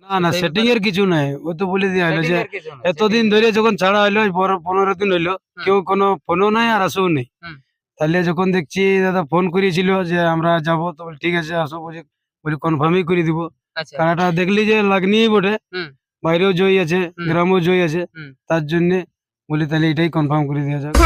না না, সেটিং এর কিছু নাই, ও তো বলে দেওয়া হলো যে এতদিন ধরে যখন ছাড়া হইলো 15 দিন হইলো, কেউ কোনো ফোনও নাই আর আসেও নেই। তাহলে যখন দেখছি দাদা ফোন করেছিল যে আমরা যাবো, তো বলি ঠিক আছে আসো, বলি কনফার্মই করে দিব। কারাটা দেখলি যে লাগনি বটে, বাইরেও জয় আছে, গ্রামেও জয় আছে, তার জন্য বলি তাহলে এটাই কনফার্ম করে দেওয়া যাক।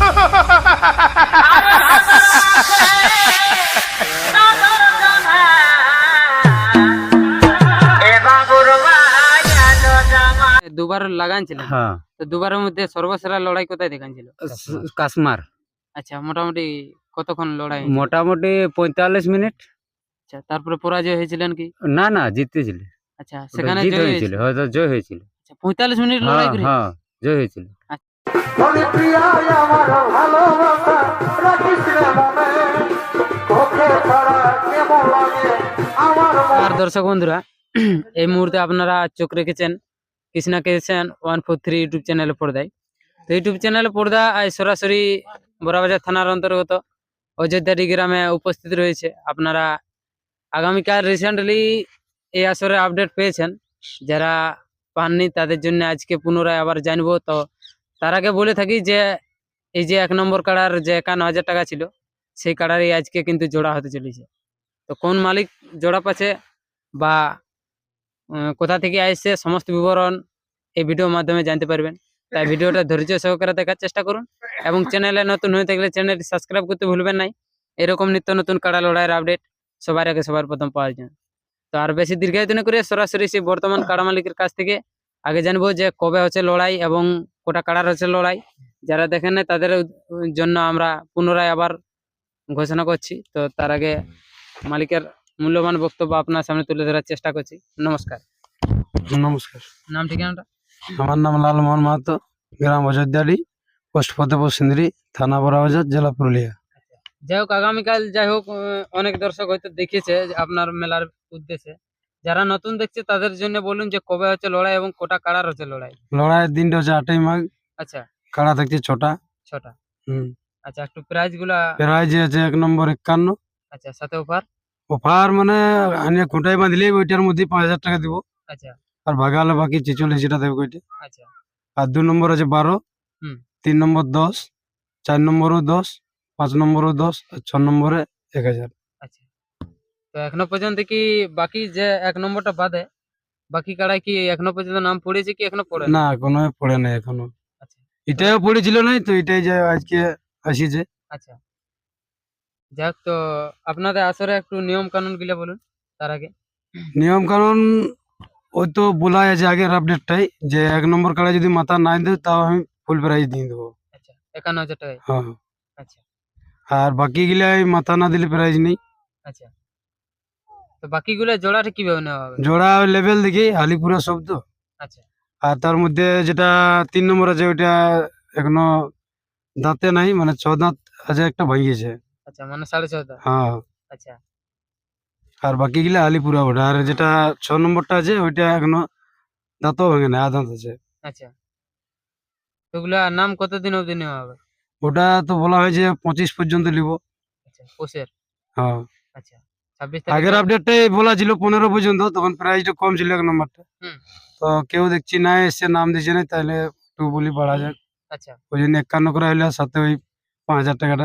দুবার লাগানছিল, হ্যাঁ, তো দুবারের মধ্যে সর্বসেরা লড়াই কোথায় দেখানছিল? কাশ্মার। আচ্ছা, মোটামুটি কতক্ষণ লড়াই? মোটামুটি 45 মিনিট। আচ্ছা, তারপরে পরাজয় হয়েছিলেন কি? না না, জিতেছিল। আচ্ছা, সেখানে জিত জয় হয়েছিল, হয়েছিল। হয়তো জয় হয়েছিল। আচ্ছা, 45 মিনিট লড়াই হ্যাঁ করে? হ্যাঁ, জয় হয়েছিল। আর দর্শক বন্ধুরা, এই মুহূর্তে আপনারা চোখ রেখেছেন কৃষ্ণা কিষান 143 ইউটিউব চ্যানেলের পর্দায়। তো ইউটিউব চ্যানেলের পর্দা আজ সরাসরি বড়াবাজার থানার অন্তর্গত অযোধ্যাটি গ্রামে উপস্থিত রয়েছে। আপনারা আগামীকাল রিসেন্টলি এই আসরের আপডেট পেয়েছেন, যারা পাননি তাদের জন্য আজকে পুনরায় আবার জানবো। তো তার আগে বলে থাকি যে এই যে 1 নম্বর কাড়ার যে 51,000 টাকা ছিল, সেই কাড়ারই আজকে কিন্তু জোড়া হতে চলেছে। তো কোন মালিক জোড়া পাচ্ছে বা কোথা থেকে আসছে সমস্ত বিবরণ এই ভিডিওর মাধ্যমে জানতে পারবেন। তাই ভিডিওটা ধৈর্য সহকারে দেখার চেষ্টা করুন এবং চ্যানেলে নতুন হয়ে থাকলে চ্যানেলটি সাবস্ক্রাইব করতে ভুলবেন না, এরকম নিত্য নতুন কাড়া লড়াইয়ের আপডেট সবার আগে সবার প্রথম পাওয়ার জন্য। তো আর বেশি দীর্ঘায়িত না করে সরাসরি সেই বর্তমান কাড়া মালিকের কাছ থেকে আগে জানবো যে কবে হচ্ছে লড়াই এবং কোটা কাড়ার হচ্ছে লড়াই। যারা দেখেন না তাদের জন্য আমরা পুনরায় আবার ঘোষণা করছি। তো তার আগে মালিকের মূল্যবান বক্তব্য আপনার সামনে তুলে ধরার চেষ্টা করছি। নমস্কার। নমস্কার। নাম ঠিকানাটা? আমার নাম লালমোহন মাহাতো, গ্রাম অযোধ্যাডি, পোস্ট ফতেপুর সিন্দ্রি, থানা বড়াবাজার, জেলা পুরুলিয়া। যাই হোক, আগামীকাল যাই হোক অনেক দর্শক হয়তো দেখেছে যে আপনার মেলার উদ্দেশ্যে। যারা নতুন দেখছে তাদের জন্য বলুন যে কবে হচ্ছে লড়াই এবং কোটা কাড়ার হচ্ছে লড়াই? লড়াইয়ের দিনটা হচ্ছে 8ই মাঘ। আচ্ছা, কাড়া থাকছে 6টা। 6টা। আচ্ছা, একটু প্রাইজ গুলা? প্রাইজ আছে 1 নম্বর 51। আচ্ছা, সাথে অফার? অফার মানে আনিয়ে খুঁটাই বাঁধলে ওইটার মধ্যে 5,000 টাকা দিব। আচ্ছা আর ভাগালে বাকি 46 টাকা দেবে ওইটা। আচ্ছা। আর 2 নম্বর আছে 12, 3 নম্বর 10, 4 নম্বরও 10, 5 নম্বরও 10, আর 6 নম্বরে 1,000। আচ্ছা, তো এখনো পর্যন্ত কি বাকি যে 1 নম্বরটা বাদে বাকি কাড়ায় কি এখনো পর্যন্ত নাম পড়েছে কি এখনো পড়ে না, কোনো পড়ে নাই এখনো। আচ্ছা, এটাও পড়েছিল নাই তো, এটাই যে আজকে আসিছে। আচ্ছা। যাক, তো আপনাদের আসরে একটু নিয়ম কানুন গুলা বলুন তার আগে। নিয়ম কানুন ওই তো বলা আছে আগের আপডেটটাই, যে 1 নম্বর কাড়া যদি মাথা না দেয় তাও আমি ফুল প্রাইজ দিয়ে দেবো। আচ্ছা, 51,000 টাকায়? হ্যাঁ। আচ্ছা আর বাকি গিলাই মাথা না দিলে প্রাইজ নেই। আচ্ছা, তো বাকিগুলো জোড়াটা কিভাবে নেওয়া হবে? জোড়া লেভেল দেখি আলিপুরা শব্দ। আচ্ছা আর তার মধ্যে যেটা 3 নম্বর আছে ওইটা এখনো দাঁতে নাই, মানে 6 দাঁত আছে, একটা ভাঙিয়েছে। আচ্ছা, মানে 6.5 হ্যাঁ। আচ্ছা আর বাকি গিলা আলিপুরা ওটা। আর যেটা 6 নম্বরটা আছে ওইটা এখনো দাঁতও ভাঙে না, দাঁত আছে। আচ্ছা, ওগুলা নাম কতদিন অবধি নেওয়া হবে? ওটা তো বলা হয়েছে 25 পর্যন্ত নিব। আচ্ছা, পোষের? হ্যাঁ। আচ্ছা, 26 আগের তারিখে? আপডেটটাই বলা ছিল 15 পর্যন্ত, তখন প্রাইসটা কম ছিল 1 নম্বরটা। তো কেউ দেখছি না এসে নাম দিচ্ছে না, তাহলে একটু বলি বাড়া যাক। আচ্ছা ওই জন্য 51 করা হইলে সাথে ওই 5,000 টাকাটা।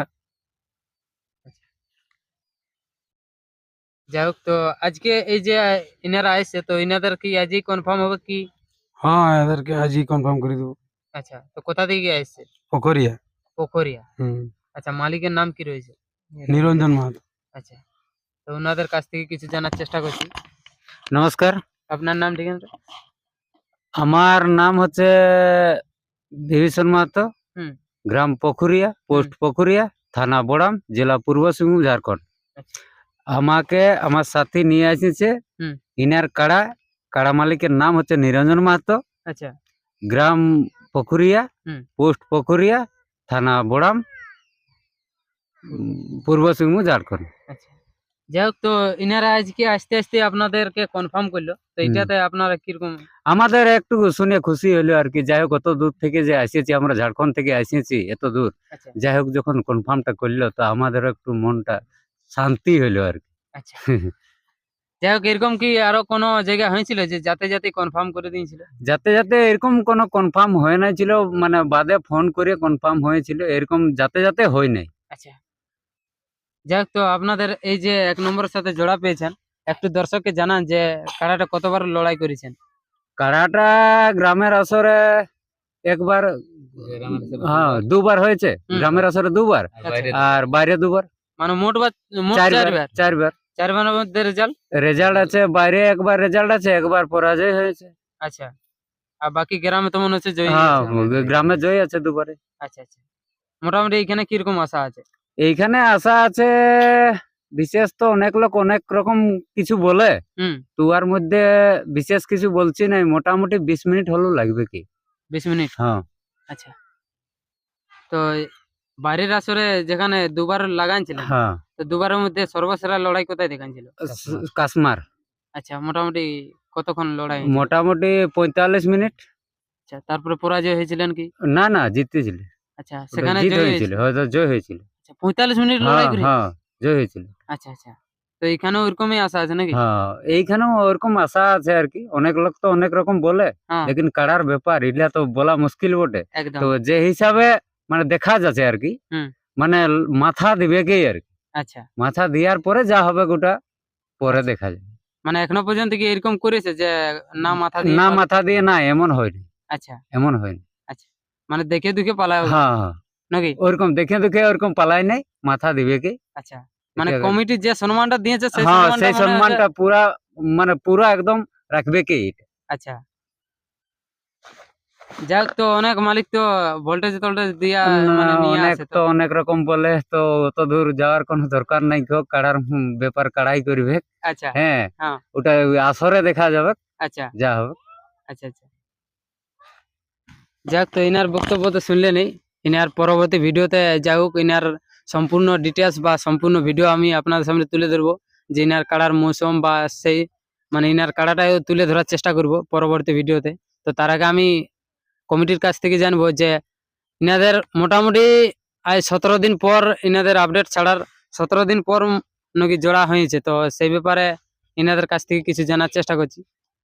যাই হোক, তো আজকে এই যে ইনারা আসছে, তো ইনাদের কি আজই কনফার্ম হবে কি? হ্যাঁ, এদেরকে আজই কনফার্ম করে দেবো। আচ্ছা, তো কোথা থেকে আসছে? পোখরিয়া। পোখরিয়া? হুম। আচ্ছা, মালিকের নাম কি রয়েছে? নিরঞ্জন মাহাতো। আচ্ছা, তো ওনাদের কাছ থেকে কিছু জানার চেষ্টা করছি। নমস্কার, আপনার নাম ঠিকানা? আমার নাম হচ্ছে বিভীষণ মাহাতো, গ্রাম পুকুরিয়া, পোস্ট পুকুরিয়া, থানা বড়াম, জেলা পূর্ব সিংভূম, ঝাড়খণ্ড। আচ্ছা আমাকে আমার সাথী নিয়ে আসছে ইনার কাড়া। কাড়া মালিকের নাম হচ্ছে নিরঞ্জন মাহাতো। আচ্ছা, গ্রাম পুকুরিয়া, পোস্ট পুকুরিয়া, থানা বড়াম, পূর্ব সিংভূম, ঝাড়খণ্ড। আচ্ছা। যাই হোক, তো ইনারা আজকে আসতে আসতে আপনাদেরকে কনফার্ম করলো, তো এটাতে আপনারা কিরকম? আমাদের একটু শুনে খুশি হলো আর কি। যাই হোক, কত দূর থেকে যে আসিয়েছি, আমরা ঝাড়খণ্ড থেকে আসিয়েছি এত দূর। আচ্ছা যাই হোক, যখন কনফার্মটা করলো তো আমাদের একটু মনটা শান্তি হইলো আর কি। আচ্ছা। যাই হোক, এরকম কি আরো কোনো জায়গা হয়েছিল যে যাতে যাতে কনফার্ম করে দিয়েছিল? যাতে যাতে এরকম কোনো কনফার্ম হয় নাই ছিল, মানে বাদে ফোন করে কনফার্ম হয়েছিল, এরকম যাতে যাতে হয় নাই। আচ্ছা, যাই হোক, তো আপনাদের এই যে 1 নম্বরের সাথে জোড়া পেয়েছেন, একটু দর্শককে জানান যে কাড়াটা কতবার লড়াই করেছেন। কাড়াটা গ্রামের আসরে একবার, হ্যাঁ দুবার হয়েছে, হুম। গ্রামের আসরে দুবার, আর বাইরে দুবার, মানে মোট মোট চারবার। 4বার। চারবার 4বারের মধ্যে রেজাল্ট। রেজাল্ট আছে, বাইরে একবার রেজাল্ট আছে, একবার পরাজয় হয়েছে। আচ্ছা, আর বাকি গ্রামে তো মনে হচ্ছে জয়ী হ্যাঁ আছে। গ্রামে জয় আছে দুবারে। আচ্ছা আচ্ছা, মোটামুটি এখানে কিরকম আশা আছে? এইখানে আশা আছে, বিশেষ তো অনেক লোক অনেক রকম কিছু বলে, হুম। তুয়ার মধ্যে বিশেষ কিছু বলছি নাই, মোটামুটি 20 মিনিট হলেও লাগবে কি। 20 মিনিট। হ্যাঁ আচ্ছা, তো বাইরের আসরে যেখানে দুবার লাগাইছিলেন, হ্যাঁ তো দুবারের মধ্যে সর্বসেরা লড়াই কোথায় দেখাইছিল? কাসমার। আচ্ছা, মোটামুটি কতক্ষণ লড়াই হয়েছিল? মোটামুটি 45 মিনিট। আচ্ছা, তারপরে পরাজয় হয়েছিলেন কি? না না, জিতেছিল। আচ্ছা, ওটা সেখানে জিত জয় হয়েছিল, হয়েছিল। হয়তো জয় হয়েছিল। আচ্ছা, 45 মিনিট হ্যাঁ লড়াই করে। হ্যাঁ জয় হয়েছিল। আচ্ছা আচ্ছা, তো এখানেও ওরকমই আশা আছে নাকি? হ্যাঁ এইখানেও ওরকম আশা আছে আর কি, অনেক লোক তো অনেক রকম বলে, হ্যাঁ, লেকিন কাড়ার ব্যাপার এটা তো বলা মুশকিল বটে। একদম। তো যে হিসাবে মানে দেখা যাচ্ছে আর কি, হুম। মানে মাথা দিবে কি আর কি, আচ্ছা, মাথা দেওয়ার পরে যা হবে গোটা পরে আচ্ছা। দেখা যাবে। মানে এখনো পর্যন্ত কি এরকম করেছে যে না মাথা দিয়ে না পালা- মাথা দিয়ে না, এমন হয়নি, আচ্ছা এমন হয়নি। আচ্ছা, মানে দেখে দুখে পালা হ্যাঁ হ্যাঁ নাকি? ওরকম দেখে দেখে ওরকম পালাই নাই, মাথা দিবে কি। আচ্ছা, মানে এটা- কমিটি যে সম্মানটা দিয়েছে সেই হ্যাঁ সম্মানটা সেই মনে হয় যে- সম্মানটা পুরা, মানে পুরা একদম রাখবে কি এটা। আচ্ছা, যাক, তো অনেক মালিক তো ভোল্টেজ টোল্টেজ দিয়া মানে নিয়ে অনেক আসে তো অনেক রকম বলে, তো অত দূর যাওয়ার কোনো দরকার নাই, কেউ কাড়ার ব্যাপার কাড়াই করবে। আচ্ছা হ্যাঁ হ্যাঁ, ওটা ওই আসরে দেখা যাবে আচ্ছা যা হবে। আচ্ছা আচ্ছা, যাক, তো ইনার বক্তব্য তো শুনলেনই। ইনার পরবর্তী ভিডিওতে যাই হোক, ইনার সম্পূর্ণ ডিটেলস বা সম্পূর্ণ ভিডিও আমি আপনাদের সামনে তুলে ধরবো, যে ইনার কাড়ার মৌসুম বা সেই মানে ইনার কাড়াটাও তুলে ধরার চেষ্টা করব পরবর্তী ভিডিওতে। তো তার আগে আমি কমিটির কাছ থেকে জানবো যে ইনাদের মোটামুটি আজ 17 দিন পর ইনাদের আপডেট ছাড়ার 17 দিন পর নাকি জোড়া হয়েছে, তো সেই ব্যাপারে ইনাদের কাছ থেকে কিছু জানার চেষ্টা করছি।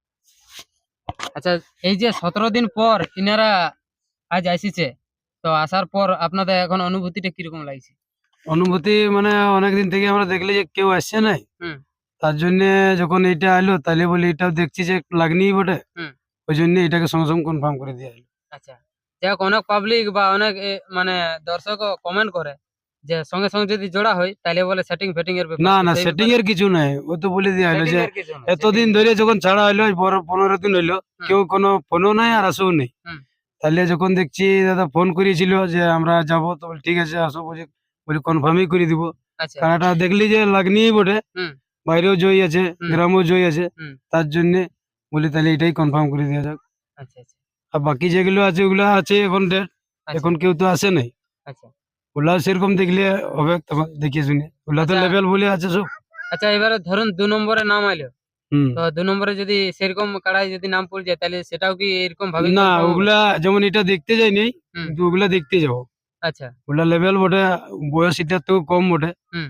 আচ্ছা, এই যে 17 দিন পর ইনারা আজ আসিছে, তো আসার পর আপনাদের এখন অনুভূতিটা কিরকম লাগছে? অনুভূতি মানে অনেকদিন থেকে আমরা দেখলি যে কেউ আসছে নাই, হুম। তার জন্য যখন এইটা এলো তাহলে বলি এটাও দেখছি যে লাগনিই বটে, হুম। ওই জন্য এটাকে সঙ্গে সঙ্গে কনফার্ম করে দিয়ে এলো। আচ্ছা, যাই হোক, অনেক পাবলিক বা অনেক মানে দর্শক কমেন্ট করে যে সঙ্গে সঙ্গে যদি জোড়া হয় তাহলে বলে সেটিং ফেটিং এর ব্যাপার। না তো না, সেই সেটিং ব্যাপারে- এর কিছু নাই, ও তো বলে দিয়ে এলো setting যে এর কিছু না, এতদিন setting- ধরে যখন ছাড়া হইলো, 15 দিন হইলো, কেউ কোনো ফোনও নাই আর আসেও নেই। হুম। তাহলে যখন দেখছি দাদা ফোন করিয়েছিল যে আমরা যাবো, তো বলি ঠিক আছে আসো, বলি কনফার্মই করে দিব। আচ্ছা কারাটা দেখলি যে লাগনিই বটে, হুম। বাইরেও জয় আছে, হুম। গ্রামেও জয় আছে, হুম। তার জন্য বলি তাহলে এটাই কনফার্ম করে দেওয়া যাক। আচ্ছা আচ্ছা আর বাকি যেগুলো আছে ওগুলো আছে এখন ডেট, আচ্ছা, এখন কেউ তো আসে নাই, আচ্ছা ওগুলা সেরকম দেখলে হবে, তখন দেখিয়ে শুনে ওগুলা তো আচ্ছা। লেভেল বলে আছে সব। আচ্ছা, এবারে ধরুন 2 নম্বরে নাম আইলো, হুম। তো 2 নম্বরে যদি সেরকম কাড়াই যদি নাম পড়ে যায় তাহলে সেটাও কি এরকম ভাবে না confirm হবে? ওগুলা যেমন এটা দেখতে যাই নেই, হুম। কিন্তু ওগুলা দেখতে যাবো, আচ্ছা ওগুলা লেভেল বটে, বয়স এটা তো কম বটে, হুম।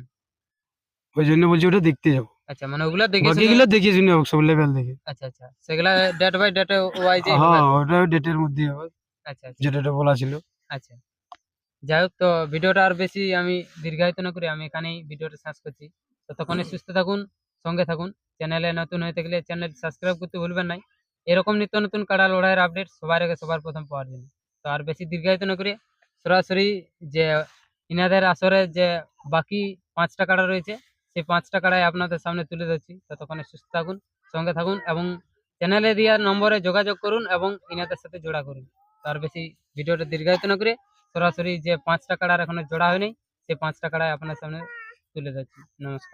ওই জন্য বলছি ওটা দেখতে যাবো। আচ্ছা, মানে ওগুলা দেখে বাকি শুনে- গুলো দেখিয়ে শুনে হোক, সব লেভেল দেখে। আচ্ছা আচ্ছা, সেগুলা ডেট বাই ডেট ওয়াইজ হবে। হ্যাঁ ওটা ডেটের মধ্যে হবে, আচ্ছা আচ্ছা যেটা বলা ছিল। আচ্ছা, যাই হোক, তো ভিডিওটা আর বেশি আমি দীর্ঘায়িত না করে আমি এখানেই ভিডিওটা শেষ করছি। ততক্ষণে সুস্থ থাকুন, সঙ্গে থাকুন। চ্যানেলে নতুন হয়ে থাকলে চ্যানেল সাবস্ক্রাইব করতে ভুলবেন না, এরকম নিত্য নতুন কাড়া লড়াইয়ের আপডেট সবার আগে সবার প্রথম পাওয়ার জন্য। তো আর বেশি দীর্ঘায়িত না করে সরাসরি যে ইনাদের আসরে যে বাকি 5টা কাড়া রয়েছে, সেই 5টা কাড়াই আপনাদের সামনে তুলে ধরছি। ততক্ষণে সুস্থ থাকুন, সঙ্গে থাকুন এবং চ্যানেলে দেওয়া নম্বরে যোগাযোগ করুন এবং ইনাদের সাথে জোড়া করুন। তো আর বেশি ভিডিওটা দীর্ঘায়িত না করে সরাসরি যে 5টা কাড়ার এখনো জোড়া হয়নি, সেই 5টা কাড়াই আপনার সামনে তুলে ধরছি। নমস্কার।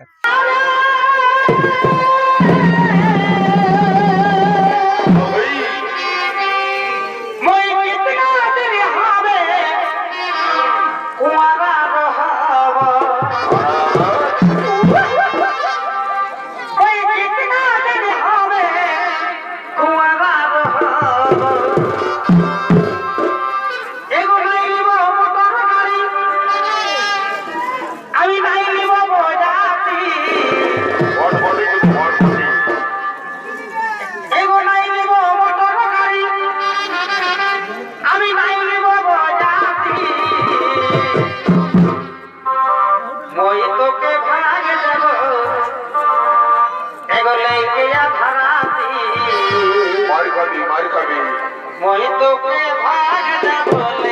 আমি নাই নিব বজাতি ধারাতে মার খাবি মই তোকে ভাগ দেব